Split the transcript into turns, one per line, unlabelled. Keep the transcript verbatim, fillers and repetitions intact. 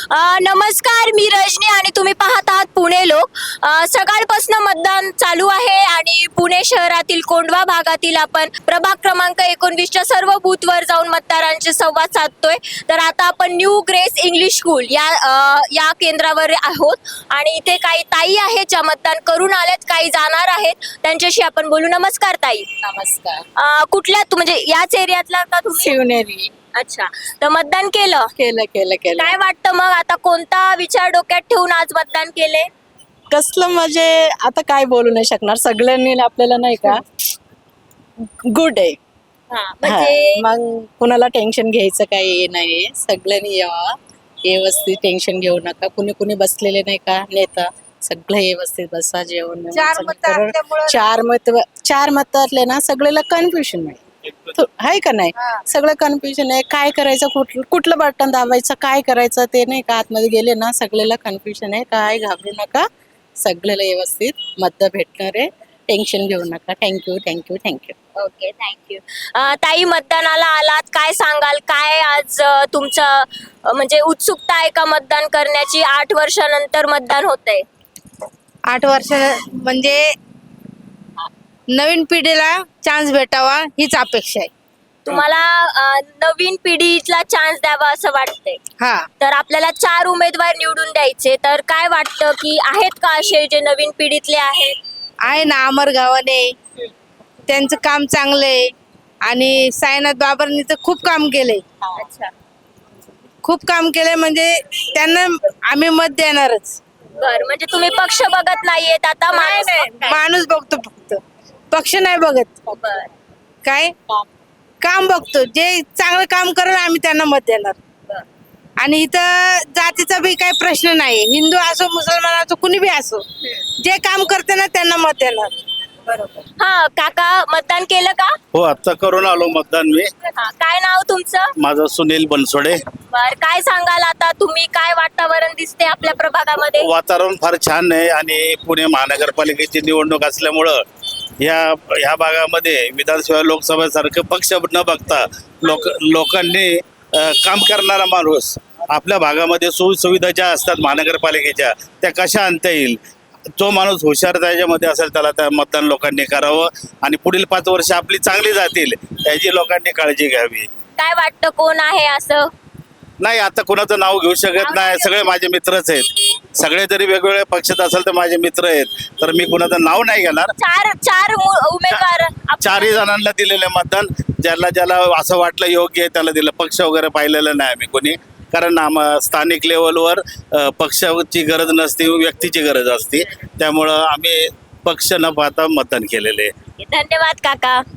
अ, नमस्कार, मी रजनी आणि तुम्ही पाहत आहात पुणे लोक. अ, सकाळपासून मतदान चालू आहे आणि पुणे शहरातील कोंढवा भागातील आपण प्रभाग क्रमांक एकोणवीसच्या सर्व बूथवर जाऊन मतदारांशी संवाद साधतोय. तर आता आपण न्यू ग्रेस इंग्लिश स्कूल या अ, या केंद्रावर आहोत आणि इथे काही ताई आहेत ज्या मतदान करून आल्यात, काही जाणार आहेत, त्यांच्याशी आपण बोलू. नमस्कार ताई.
नमस्कार.
अ, कुठल्या तू म्हणजे याच एरियातला का तुम्ही?
शिवनेरी.
अच्छा, तर मतदान केलं.
केलं केलं केलं
काय वाटतं मग आता कोणता विचार डोक्यात ठेवून आज मतदान केले?
कसलं म्हणजे आता काय बोलू नाही शकणार, सगळ्यांनी आपल्याला नाही का गुड आहे.
हा,
हा,
म्हणजे
मग कुणाला टेन्शन घ्यायचं काही नाही, सगळ्यांनी यावा व्यवस्थित, टेन्शन घेऊ नका. कुणी कुणी बसलेले नाही का नेता, सगळे व्यवस्थित बसा, जेवण व्यवस्थित
चार मतं
करून.
असल्यामुळं-
चार मत चार मत असले ना सगळ्याला कन्फ्युजन नाही आहे का नाही, सगळं कन्फ्युजन आहे. काय करायचं, कुठलं कुठलं बटन दाबायचं, काय करायचं ते नाही का, आतमध्ये गेले ना सगळ्याला कन्फ्युजन आहे. काय घाबरू नका, सगळ्याला व्यवस्थित मत भेटणार आहे, टेन्शन घेऊ नका. Thank you thank you thank you.
Okay, thank you. ताई, मतदानाला आलात, काय सांगाल? काय आज अ, तुमचं अ, म्हणजे उत्सुकता आहे का मतदान करण्याची? आठ वर्षानंतर मतदान होतंय.
आठ वर्ष म्हणजे नवीन पिढीला चान्स भेटावा हीच अपेक्षा आहे.
तुम्हाला अ, नवीन पिढीला चान्स द्यावा असं वाटतंय.
हा,
तर आपल्याला चार उमेदवार निवडून द्यायचे, तर काय वाटतं की आहेत का असे जे नवीन पिढीतले आहेत?
आहे ना, अमर गावाने त्यांचं काम चांगलं आहे आणि साईनाथ बाबरांनी तर खूप काम केलंय,
अच्छा,
खूप काम केलंय, म्हणजे त्यांना आम्ही मत देणारच.
बर, म्हणजे तुम्ही पक्ष बघत नाहीयेत आता? माणूस बघताय.
माणूस बघतो, फक्त पक्ष नाही बघत.
बर.
काय काम बघतो, जे चांगलं काम करेल आम्ही त्यांना मत देणार.
बर.
आणि इथं जातीचा बी काही प्रश्न नाही, हिंदू असो मुसलमान असो कुणी बी असो, जे काम करते ना त्यांना मत देणार.
हा, काका मतदान केलं का?
हो, आता करून आलो मतदान मी.
हा, काय नाव तुमचं?
माझं सुनील बनसोडे.
बर, काय सांगाल आता तुम्ही? काय वातावरण दिसते आपल्या प्रभागामध्ये?
वातावरण फार छान आहे आणि पुणे महानगरपालिकेची निवडणूक असल्यामुळं या ह्या भागामध्ये विधानसभा लोकसभेसारखे पक्ष न बघता लोक लोकांनी अ, काम करणारा माणूस आपल्या भागामध्ये सोयीसुविधा ज्या असतात महानगरपालिकेच्या त्या कशा आणता येईल, जो माणूस हुशार त्याच्यामध्ये असेल त्याला त्या मतदान लोकांनी करावं आणि पुढील पाच वर्ष आपली चांगली जातील याची लोकांनी काळजी घ्यावी.
काय वाटतं कोण आहे असं?
नाही, आता कोणाचं नाव घेऊ शकत नाही, सगळे माझे मित्रच आहेत. सगळे जरी वेगवेगळ्या पक्षात असेल तर माझे मित्र आहेत, तर मी कुणाचं नाव नाही घेणार.
चार चार मु- उमेदवार आप-
चारही जणांना दिलेले मतदान, ज्याला ज्याला असं वाटलं योग्य आहे त्याला दिलं. पक्ष वगैरे पाहिलेलं नाही आम्ही कोणी, कारण आम स्थानिक लेवलवर अ, पक्षाची गरज नसते, व्यक्तीची गरज असते. त्यामुळं आम्ही पक्ष न पाहता मतदान केलेले आहे.
धन्यवाद काका.